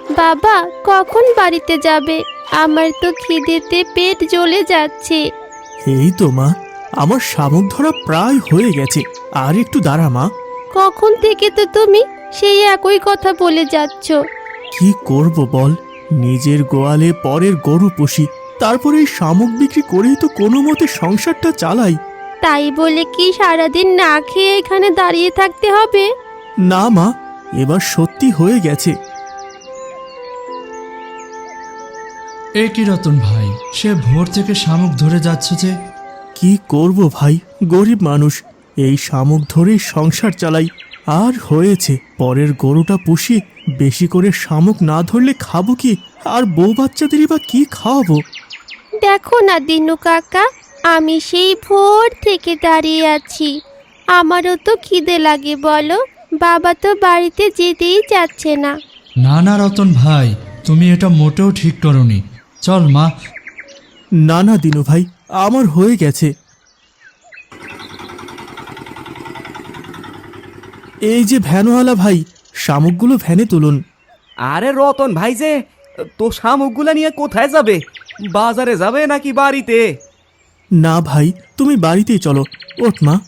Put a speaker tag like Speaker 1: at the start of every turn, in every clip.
Speaker 1: বাবা কখন বাড়িতে যাবে? আমার তো খিদেতে পেট জ্বলে যাচ্ছে।
Speaker 2: এই তো মা, আমার শামুক ধরা প্রায় হয়ে গেছে, আর একটু দাঁড়া মা।
Speaker 1: কখন থেকে তো তুমি সেই একই কথা বলে যাচ্ছ।
Speaker 2: কি করব বল, নিজের গোয়ালে পরের গরু পুষি, তারপরে এই শামুক বিক্রি করেই তো কোনো মতে সংসারটা চালাই।
Speaker 1: তাই বলে কি সারাদিন না খেয়ে এখানে দাঁড়িয়ে থাকতে হবে?
Speaker 2: না মা, এবার সত্যি হয়ে গেছে।
Speaker 3: এ কি রতন ভাই, সে ভোর থেকে শামুক ধরে যাচ্ছে যে?
Speaker 2: কি করব ভাই, গরিব মানুষ, এই শামুক ধরেই সংসার চালাই। আর হয়েছে, পরের গরুটা পুষি, বেশি করে শামুক না ধরলে খাবো কি, আর বউ বাচ্চাদেরই বা কি খাওয়াবো?
Speaker 1: দেখো না দিনু কাকা, আমি সেই ভোর থেকে দাঁড়িয়ে আছি। আমারও তো খিদে লাগে বলো, বাবা তো বাড়িতে যেতেই চাচ্ছে না।
Speaker 3: না না রতন ভাই, তুমি এটা মোটেও ঠিক করনি। চল মা।
Speaker 2: না না দিনু ভাই, আমার হয়ে গেছে। এই যে ভ্যানওয়ালা ভাই, শামুকগুলো ভ্যানে তুলুন।
Speaker 4: আরে রতন ভাই যে, তো শামুকগুলা নিয়ে কোথায় যাবে? বাজারে যাবে নাকি বাড়িতে?
Speaker 2: না ভাই, তুমি বাড়িতেই চলো, ওঠ মা।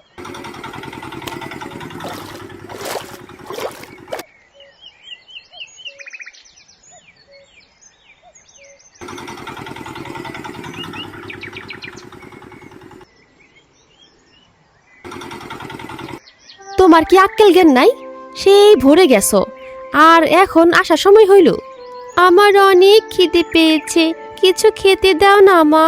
Speaker 1: তোমার কি আক্কেল জ্ঞান নাই? সেই ভরে গেছো, আর এখন আসার সময় হইল। আমার অনেক খিদে পেয়েছে, কিছু খেতে দাও না মা।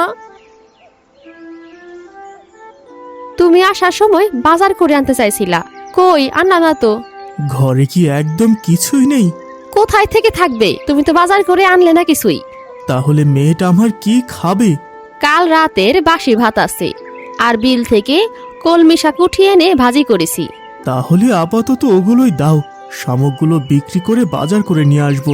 Speaker 1: তুমি আসার সময় বাজার করে আনতে চাইছিলা, কই আনা না তো।
Speaker 2: ঘরে কি একদম কিছুই নেই?
Speaker 1: কোথায় থেকে থাকবে, তুমি তো বাজার করে আনলে না কিছুই।
Speaker 2: তাহলে মেয়েটা আমার কি খাবে?
Speaker 1: কাল রাতের বাসি ভাত আছে, আর বিল থেকে কলমি শাক উঠিয়ে এনে ভাজি করেছি।
Speaker 2: তাহলে আপাতত ওগুলোই দাও, শামুকগুলো বিক্রি করে বাজার করে নিয়ে আসবো।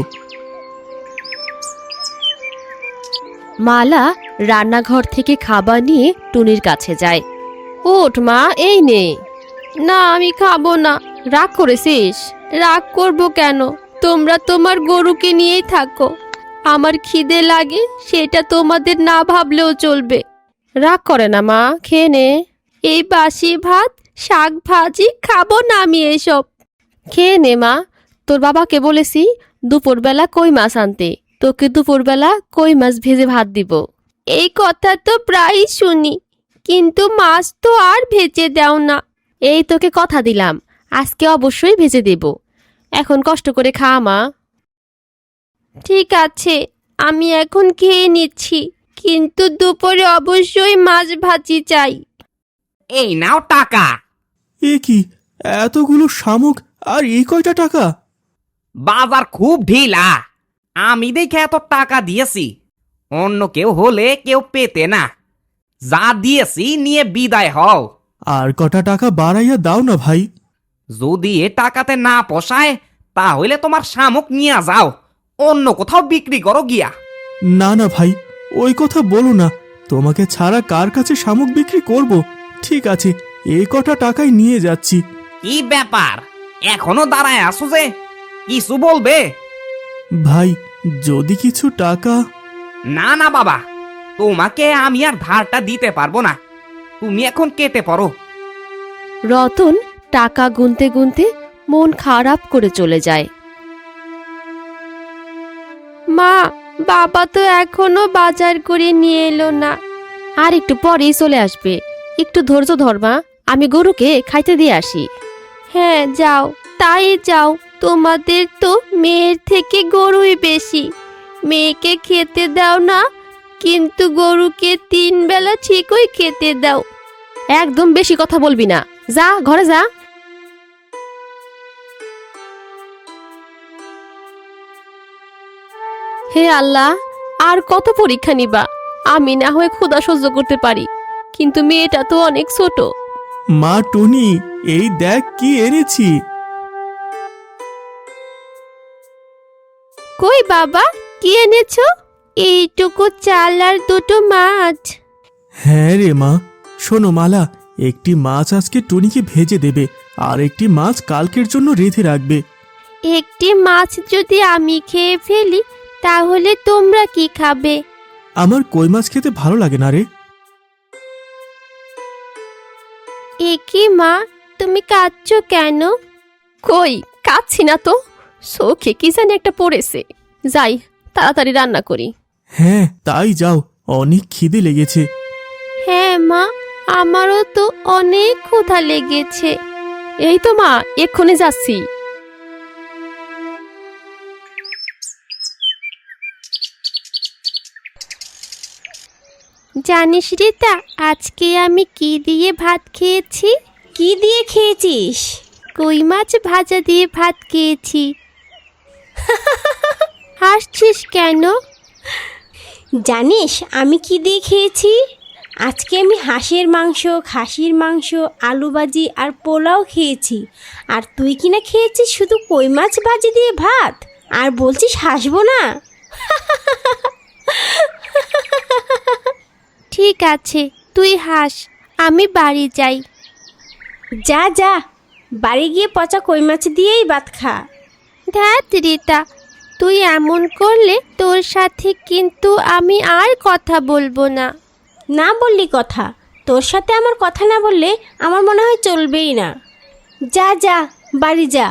Speaker 1: মালা রান্নাঘর থেকে খাবার নিয়ে টুনির কাছে যায়। ওঠ মা, এই নে। না আমি খাবো না। রাগ করেছিস? রাগ করব কেন, তোমরা তোমার গরুকে নিয়েই থাকো। আমার খিদে লাগে সেটা তোমাদের না ভাবলেও চলবে। রাগ করে না মা, খেয়ে নে। এই বাসি ভাত শাক ভাজি খাবো না আমি এসব। খেয়ে নে মা, তোর বাবাকে বলেছি দুপুরবেলা কই মাছ আনতে, তোকে দুপুরবেলা কই মাছ ভেজে ভাত দিব। এই কথা তো প্রায়ই শুনি, কিন্তু মাছ তো আর ভেজে দাও না। এই তোকে কথা দিলাম, আজকে অবশ্যই ভেজে দেব। এখন কষ্ট করে খা মা। ঠিক আছে, আমি এখন খেয়ে নিচ্ছি, কিন্তু দুপুরে অবশ্যই মাছ ভাজি চাই।
Speaker 4: এই নাও টাকা।
Speaker 2: এ কি, এতগুলো শামুক আর এই কয়টা টাকা?
Speaker 4: বাজার খুব ঢিলা, আমি দেখে এত টাকা দিয়েছি। অন্য কেউ হলে কেউ পেতে না। যা দিয়েছি নিয়ে বিদায় হও।
Speaker 2: আর কটা টাকা বাড়াইয়া দাও না ভাই।
Speaker 4: যদি এ টাকাতে না পোষায়, তাহলে তোমার শামুক নিয়ে যাও, অন্য কোথাও বিক্রি করো গিয়া।
Speaker 2: না না ভাই, ওই কথা বলো না, তোমাকে ছাড়া কার কাছে শামুক বিক্রি করব? ঠিক আছে, এই কটা টাকায় নিয়ে যাচ্ছি।
Speaker 4: কি ব্যাপার, এখনো দাঁড়ায় আসো যে? কিছু বলবে?
Speaker 2: ভাই, যদি কিছু টাকা।
Speaker 4: না না বাবা, তোমাকে আমি আর ধারটা দিতে পারবো না, তুমি এখন কেটে পড়ো।
Speaker 1: রতন টাকা গুনতে গুনতে মন খারাপ করে চলে যায়। মা, বাবা তো এখনো বাজার করে নিয়ে এলো না। আর একটু পরেই চলে আসবে, একটু ধৈর্য ধর মা, আমি গরুকে খাইতে দিয়ে আসি। হ্যাঁ যাও, তাই যাও। তোমাদের তো মেয়ের থেকে গরুই বেশি। মেয়েকে খেতে দাও না, কিন্তু গরুকে 3 বেলা ঠিকই খেতে দাও। একদম বেশি কথা বলবি না, যা ঘরে যা। হে আল্লাহ, আর কত পরীক্ষা নিবা? আমি না হয়ে ক্ষুধা সহ্য করতে পারি, কিন্তু মেয়েটা তো অনেক ছোট।
Speaker 2: মা টুনি, এই দেখ কি এনেছি।
Speaker 1: কই বাবা, কি এনেছো? এইটুকু চাল আর 2টো মাছ।
Speaker 2: হ্যাঁ রে মা, শোনো মালা, একটি মাছ আজকে টুনিকে ভেজে দেবে, আর একটি মাছ কালকের জন্য রেঁধে রাখবে।
Speaker 1: একটি মাছ যদি আমি খেয়ে ফেলি তাহলে তোমরা কি খাবে?
Speaker 2: আমার কই মাছ খেতে ভালো লাগে না রে।
Speaker 1: একি মা, তুমি কাঁদছো কেন? কই কাঁদছি না তো, চোখে কি জানি একটা পড়েছে। যাই তাড়াতাড়ি রান্না করি।
Speaker 2: হ্যাঁ তাই যাও, অনেক খিদে লেগেছে।
Speaker 1: হ্যাঁ মা, আমারও তো অনেক ক্ষুধা লেগেছে। এই তো মা, এক্ষুনি যাচ্ছি। জানিস রিতা, আজকে আমি কি দিয়ে ভাত খেয়েছি?
Speaker 5: কি দিয়ে খেয়েছিস?
Speaker 1: কই মাছ ভাজা দিয়ে ভাত খেয়েছি। হাসছিস কেন?
Speaker 5: জানিস আমি কি দিয়ে খেয়েছি? আজকে আমি হাঁসের মাংস, খাসির মাংস, আলু ভাজি আর পোলাও খেয়েছি। আর তুই কিনা খেয়েছিস শুধু কই মাছ ভাজি দিয়ে ভাত, আর বলছিস হাসবো না?
Speaker 1: ঠিক আছে, তুই হাস, আমি বাড়ি যাই।
Speaker 5: যা যা, বাড়ি গিয়ে পচা কই মাছ দিয়েই ভাত খা।
Speaker 1: ধ্যাত রিতা, তুই এমন করলে তোর সাথে কিন্তু আমি আর কথা বলবো না।
Speaker 5: না বললি কথা, তোর সাথে আমার কথা না বললে আমার মনে হয় চলবেই না। যা যা, বাড়ি যা।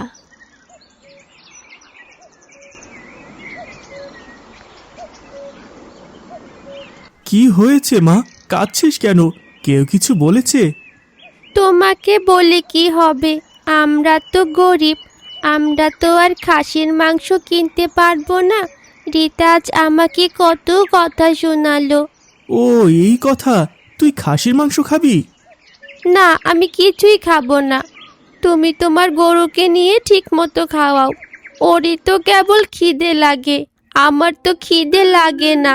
Speaker 2: কি হয়েছে মা, কাঁদছিস কেন? কেউ কিছু বলেছে?
Speaker 1: তোমাকে বলে কি হবে, আমরা তো গরিব, আমরা তো আর খাসির মাংস কিনতে পারবো না। রিতা আজ আমাকে কত কথা শোনালো।
Speaker 2: ও এই কথা, তুই খাসির মাংস খাবি?
Speaker 1: না, আমি কিছুই খাবো না। তুমি তোমার গরুকে নিয়ে ঠিক মতো খাওয়াও, ওরই তো কেবল খিদে লাগে, আমার তো খিদে লাগে না।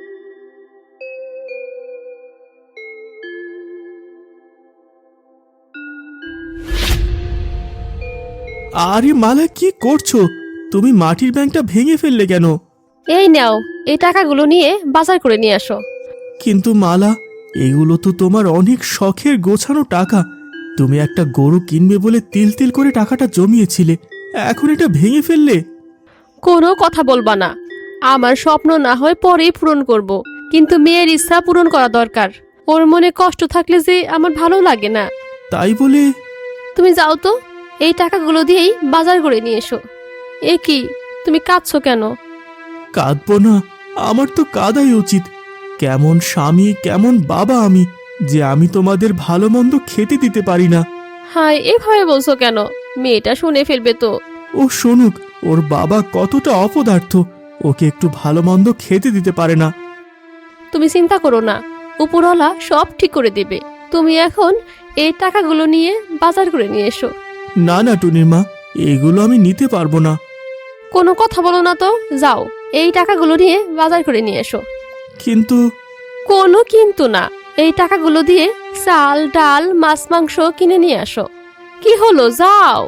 Speaker 2: আরে মালা, কি করছো তুমি? মাটির ব্যাংকটা ভেঙে ফেললে কেন?
Speaker 1: এই নাও, এই টাকাগুলো নিয়ে বাজার করে নিয়ে আসো।
Speaker 2: কিন্তু মালা, এগুলো তো তোমার অনেক শখের গোছানো টাকা। তুমি একটা গরু কিনবে বলে তিল তিল করে টাকাটা জমিয়েছিলে, এখন এটা ভেঙে ফেললে?
Speaker 1: কোনো কথা বলবা না। আমার স্বপ্ন না হয় পরেই পূরণ করব, কিন্তু মেয়ের ইচ্ছা পূরণ করা দরকার। ওর মনে কষ্ট থাকলে যে আমার ভালো লাগে না।
Speaker 2: তাই বলে?
Speaker 1: তুমি যাও তো, এই টাকাগুলো দিয়েই বাজার করে নিয়ে এসো। এ কি, তুমি কাঁদছো কেন?
Speaker 2: কাঁদবো না? আমার তো কাঁদাই উচিত। কেমন স্বামী, কেমন বাবা আমি, যে আমি তোমাদের ভালো মন্দ খেতে দিতে পারি না।
Speaker 1: হায়, এভাবে বলছো কেন? মেয়েটা শুনে ফেলবে তো।
Speaker 2: ও শুনুক, ওর বাবা কতটা অপদার্থ, ওকে একটু ভালো মন্দ খেতে দিতে পারে না।
Speaker 1: তুমি চিন্তা করো না, উপরওয়ালা সব ঠিক করে দেবে। তুমি এখন এই টাকাগুলো নিয়ে বাজার করে নিয়ে এসো।
Speaker 2: না না টুনির মা, এগুলো আমি নিতে পারবো না।
Speaker 1: কোনো কথা বলো না তো, যাও এই টাকাগুলো নিয়ে বাজার করে নিয়ে এসো।
Speaker 2: কিন্তু
Speaker 1: কোনো কিন্তু না, এই টাকাগুলো দিয়ে চাল ডাল মাছ মাংস কিনে নিয়ে আসো। কি হলো, যাও।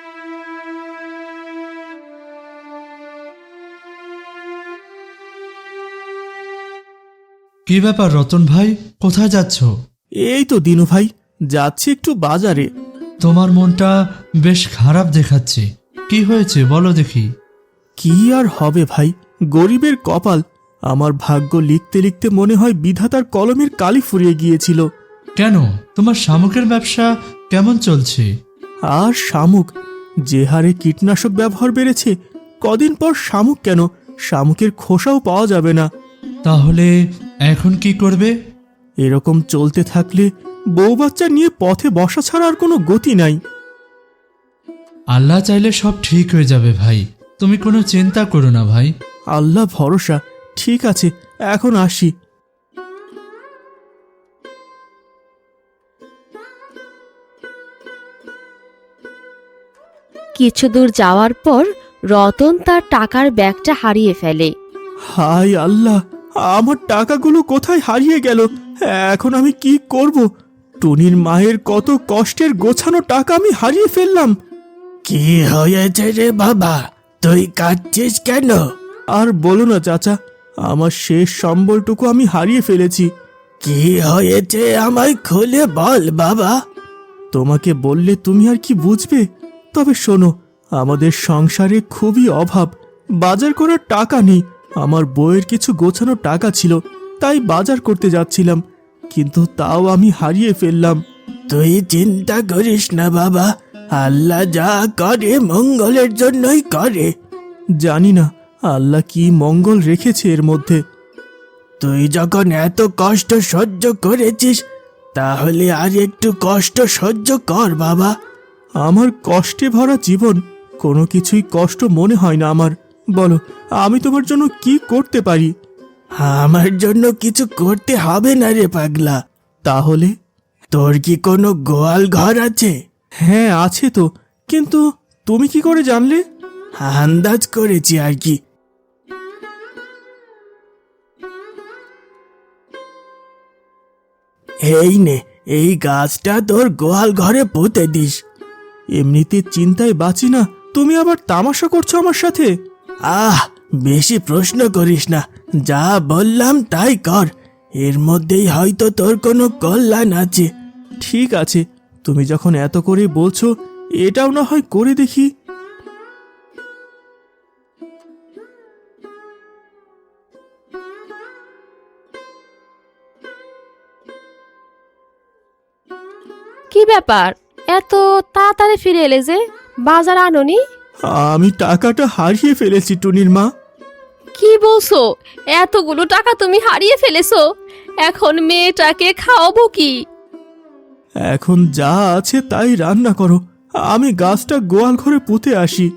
Speaker 3: কি ব্যাপার রতন ভাই, কোথায় যাচ্ছ?
Speaker 2: এই তো দিনু ভাই, যাচ্ছি একটু বাজারে।
Speaker 3: তোমার মনটা বেশ খারাপ দেখাচ্ছে, কি হয়েছে বলো দেখি।
Speaker 2: কি আর হবে ভাই, গরিবের কপাল। আমার ভাগ্য লিখতে লিখতে মনে হয় বিধাতার কলমের কালি ফুরিয়ে গিয়েছিল।
Speaker 3: কেন, তোমার শামুকের ব্যবসা কেমন চলছে?
Speaker 2: আর শামুক, যে হারে কীটনাশক ব্যবহার বেড়েছে, কদিন পর শামুক কেন, শামুকের খোসাও পাওয়া যাবে না।
Speaker 3: তাহলে এখন কি করবে?
Speaker 2: এরকম চলতে থাকলে বউ বাচ্চা নিয়ে পথে বসা ছাড়া আর কোনো গতি নাই।
Speaker 3: আল্লাহ চাইলে সব ঠিক হয়ে যাবে ভাই, তুমি কোনো চিন্তা করো না ভাই।
Speaker 2: আল্লাহ ভরসা। ঠিক আছে, এখন আসি।
Speaker 1: কিছু দূর যাওয়ার পর রতন তার টাকার ব্যাগটা হারিয়ে ফেলে।
Speaker 2: হায় আল্লাহ, আমার টাকাগুলো কোথায় হারিয়ে গেল? এখন আমি কি করব? টুনির মায়ের কত কষ্টের গোছানো টাকা আমি হারিয়ে ফেললাম।
Speaker 6: কি হয়েছে রে বাবা, তুই কাঁদছিস কেন?
Speaker 2: আর বলো না চাচা, আমার শেষ সম্বলটুকু আমি হারিয়ে ফেলেছি।
Speaker 6: কি হয়েছে আমায় খুলে বল বাবা।
Speaker 2: তোমাকে বললে তুমি আর কি বুঝবে? তবে শোনো, আমাদের সংসারে খুবই অভাব, বাজার করার টাকা নেই। আমার বইয়ের কিছু গোছানো টাকা ছিল, তাই বাজার করতে যাচ্ছিলাম, কিন্তু তাও আমি হারিয়ে ফেললাম।
Speaker 6: তুই চিন্তা করিস না বাবা, আল্লাহ যা করে মঙ্গলের জন্যই করে।
Speaker 2: জানি না আল্লাহ কি মঙ্গল রেখেছে এর মধ্যে।
Speaker 6: তুই যখন এত কষ্ট সহ্য করেছিস, তাহলে আর একটু কষ্ট সহ্য কর বাবা।
Speaker 2: আমার কষ্টে ভরা জীবন, কোনো কিছুই কষ্ট মনে হয় না আমার। বলো, আমি তোমার জন্য কি করতে পারি?
Speaker 6: আমার জন্য কিছু করতে হবে না রে পাগলা।
Speaker 2: তাহলে?
Speaker 6: তোর কি কোনো গোয়াল ঘর আছে?
Speaker 2: হ্যাঁ আছে তো, কিন্তু তুমি কি করে জানলে?
Speaker 6: আন্দাজ করেছি আর কি। এই নে, এই গাছটা তোর গোয়াল ঘরে পুঁতে দিস।
Speaker 2: এমনিতে চিন্তায় বাঁচি না, তুমি আবার তামাশা করছো আমার সাথে?
Speaker 6: আহ, বেশি প্রশ্ন করিস না, যা বললাম তাই কর। এর মধ্যেই হয়তো তোর কোনো কল্যাণ আছে।
Speaker 2: ঠিক আছে, তুমি যখন এত করে বলছো, এটাও না হয় করে দেখি।
Speaker 1: কি ব্যাপার, এত তাড়াতাড়ি ফিরে এলে যে? বাজার আনোনি?
Speaker 2: আমি টাকাটা হারিয়ে ফেলেছি টুনির মা।
Speaker 1: কি বলছো? এতগুলো টাকা তুমি হারিয়ে ফেলেছো? এখন মেয়েটাকে খাওয়াবো কি?
Speaker 2: এখন যা আছে তাই রান্না করো, আমি গাছটা গোয়াল ঘরে পুঁতে আসি।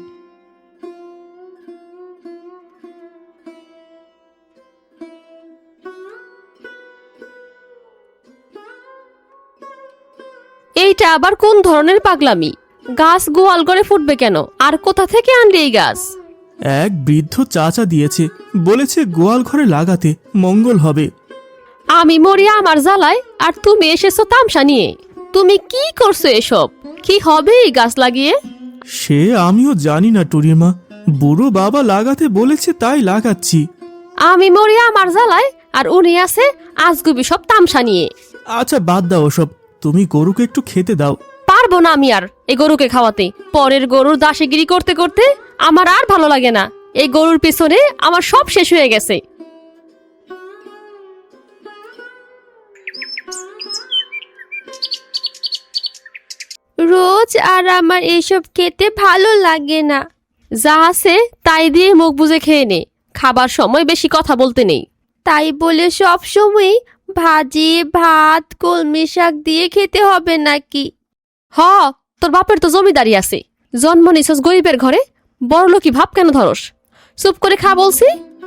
Speaker 1: এইটা আবার কোন ধরনের পাগলামি? গাছ গোয়াল করে ফুটবে কেন? আর কোথা থেকে আনলি এই গাছ?
Speaker 2: এক বৃদ্ধ চাচা দিয়েছে, বলেছে গোয়াল ঘরে লাগাতে মঙ্গল হবে।
Speaker 1: আমি মরি আমার জ্বালায়, আর তুমি এসেছো তামসা নিয়ে। তুমি কি করছো এসব? কি হবে এই গাছ লাগিয়ে?
Speaker 2: সে আমিও জানি না টুনির মা, বুড়ো বাবা লাগাতে বলেছে তাই লাগাচ্ছি।
Speaker 1: আমি মরি আমার জ্বালায়, আর উনি আছে আজগুবি সব তামসা নিয়ে।
Speaker 2: আচ্ছা বাদ দাও ওসব, তুমি গরুকে একটু খেতে দাও।
Speaker 1: পারবো না আমি আর এই গরুকে খাওয়াতে। পরের গরুর দাসিগিরি করতে করতে আমার আর ভালো লাগে না। এই গরুর পেছনে আমার সব শেষ হয়ে গেছে। রোজ আর আমার এসব খেতে ভালো লাগে না। যা আছে তাই দিয়ে মুখ বুজে খেয়ে নে, খাবার সময় বেশি কথা বলতে নেই। তাই বলে সব সময় ভাজি ভাত কলমি শাক দিয়ে খেতে হবে নাকি? হ, তোর বাপের তো জমিদারি আছে, জন্ম নিছস গরিবের ঘরে, বড়লোকি ভাব কেন ধরস? চুপ করে খা বলছি।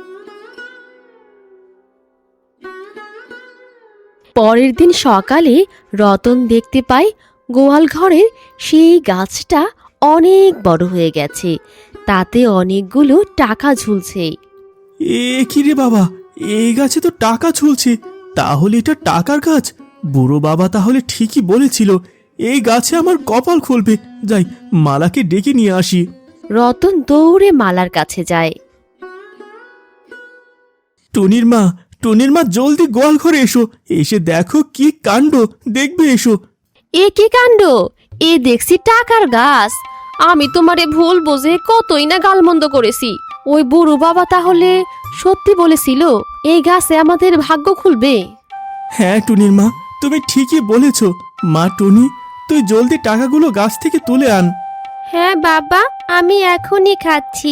Speaker 1: পরের দিন সকালে রতন দেখতে পায় গোয়াল ঘরের সেই গাছটা অনেক বড় হয়ে গেছে, তাতে অনেকগুলো টাকা ঝুলছে।
Speaker 2: এ কি রে বাবা, এই গাছে তো টাকা ঝুলছে, তাহলে এটা টাকার গাছ। বুড়ো বাবা তাহলে ঠিকই বলেছিল, এই গাছে আমার কপাল খুলবে। যাই, মালাকে ডেকে নিয়ে আসি।
Speaker 1: রতন দৌড়ে মালার কাছে যায়।
Speaker 2: টুনির মা, টুনির মা, জলদি গোয়াল ঘরে এসো, এসে দেখো কি কাণ্ড, দেখবে এসো।
Speaker 1: এ কি কাণ্ড! এ দেখছি টাকার গাছ। আমি তোমারে ভুল বুঝে কতই না গালমন্দ করেছি। ওই বুড়ো বাবা তাহলে সত্যি বলেছিল এই গাছে আমাদের ভাগ্য খুলবে।
Speaker 2: হ্যাঁ টুনির মা, তুমি ঠিকই বলেছ। মা টুনি, তুই জলদি টাকাগুলো গাছ থেকে তুলে আন।
Speaker 1: হ্যাঁ বাবা, আমি এখনই খাচ্ছি।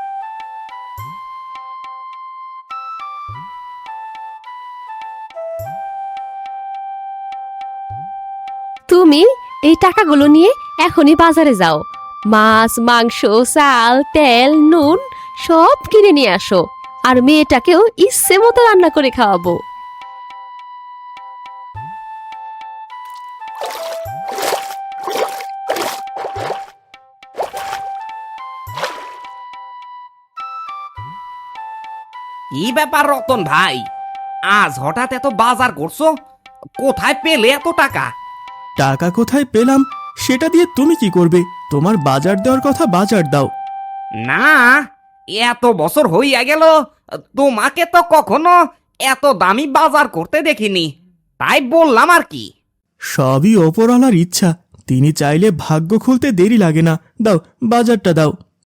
Speaker 1: তুমি এই টাকাগুলো নিয়ে এখনই বাজারে যাও, মাছ মাংস চাল তেল নুন সব কিনে নিয়ে আসো, আর মেয়েটাকেও ইচ্ছে মতো রান্না করে খাওয়াবো।
Speaker 4: কি ব্যাপার রতন ভাই, আজ হঠাৎ এত বাজার করছো? কোথায় পেলে এত টাকা?
Speaker 2: টাকা কোথায় পেলাম সেটা দিয়ে তুমি কি করবে? তোমার বাজার দেওয়ার কথা বাজার দাও।
Speaker 4: না, এত বছর হইয়া গেল, তোমাকে তো কখনো এত দামি বাজার করতে দেখিনি, তাই বললাম আর কি।
Speaker 2: সবই ওপরওয়ালার ইচ্ছা, তিনি চাইলে ভাগ্য খুলতে দেরি লাগে না। দাও, বাজারটা দাও।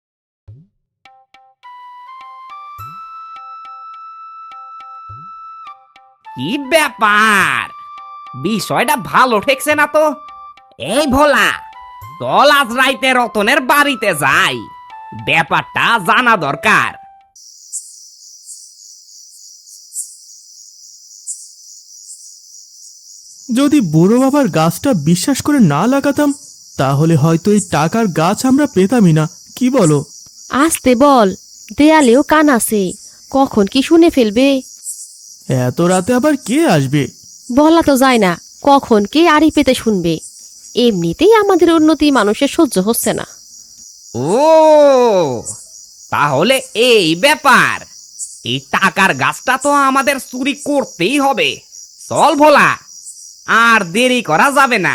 Speaker 4: কি ব্যাপার, বিষয়টা ভালো ঠেকছে না তো। এই ভোলা, চল আজ রাইতে রতনের বাড়িতে যাই, ব্যাপারটা জানা দরকার।
Speaker 2: যদি বুড়ো বাবার গাছটা বিশ্বাস করে না লাগাতাম, তাহলে হয়তো এই টাকার গাছ আমরা পেতামই না। কি বলো?
Speaker 1: আসতে বল, দেয়ালেও কান আছে, কখন কি শুনে ফেলবে।
Speaker 2: এত রাতে আবার কে আসবে?
Speaker 1: বলা তো যায় না কখন কে আড়ি পেতে শুনবে। এমনিতেই আমাদের উন্নতি মানুষের সহ্য হচ্ছে না।
Speaker 4: ও, তাহলে এই ব্যাপার। এই টাকার গাছটা তো আমাদের চুরি করতেই হবে। চল ভোলা, আর দেরি করা যাবে না।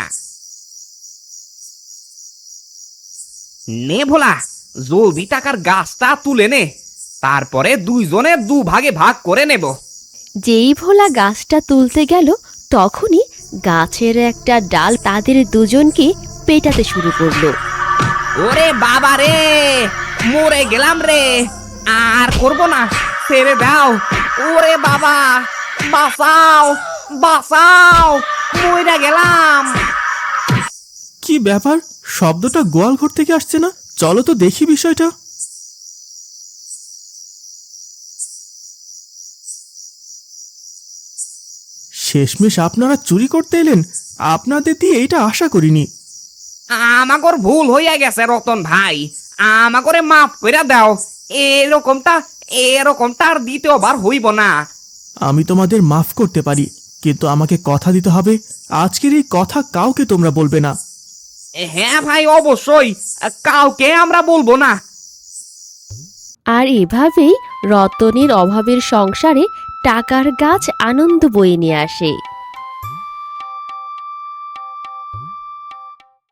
Speaker 4: নে ভোলা, জলদি টাকার গাছটা তুলে নে, তারপরে দুইজনে দুভাগে ভাগ করে নেব।
Speaker 1: যেই ভোলা গাছটা তুলতে গেল, তখনই গাছের একটা ডাল তাদের দুজনকে পেটাতে শুরু করলো।
Speaker 4: ওরে বাবা রে, মরে গেলাম রে, আর করব না, ছেড়ে দাও। ওরে বাবা, বাঁচাও বাঁচাও, মরে গেলাম।
Speaker 2: কি ব্যাপার, শব্দটা গোয়াল ঘর থেকে আসছে না? চলো তো দেখি বিষয়টা। শেষমেশ আপনারা চুরি করতে এলেন? আপনাদের দিয়ে এইটা আশা করিনি।
Speaker 4: আমাগর ভুল হইয়া গেছে রতন ভাই, আমাগরে মাফ করে দাও। এরকমটা আর দ্বিতীয়বার হইব না।
Speaker 2: আমি তোমাদের মাফ করতে পারি, কিন্তু আমাকে কথা দিতে হবে, আজকের এই কথা কাউকে তোমরা বলবে না।
Speaker 4: হ্যাঁ ভাই, অবশ্যই, কাউকে আমরা বলবো না।
Speaker 1: আর এভাবেই রতনের অভাবের সংসারে টাকার গাছ আনন্দ বয়ে নিয়ে আসে।